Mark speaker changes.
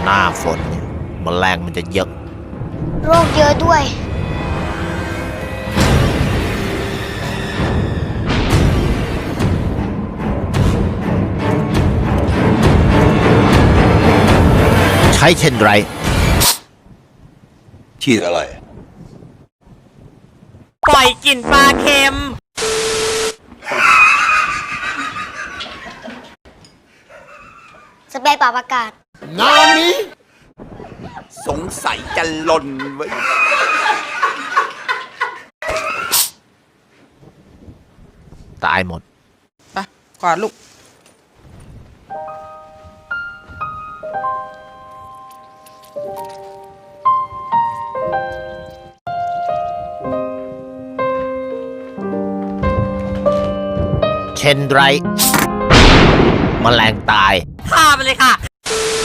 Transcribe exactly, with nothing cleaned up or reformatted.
Speaker 1: หน้าฝนเนี่ยแมลงมันจะเยอะ
Speaker 2: โรคเยอะด้วย
Speaker 1: ใช้เช่นไร
Speaker 3: ฉีดอะไร
Speaker 4: ปล่อยกลิ่นปลาเค็ม
Speaker 2: สเปรย์ปรับอากาศ
Speaker 3: งานนี้สงสัยจะหล่นไว้
Speaker 1: ตายหมด
Speaker 4: ไปกวาดลูก
Speaker 1: เช่นไรแมลงตาย
Speaker 4: ฆ่าไปเลยค่ะ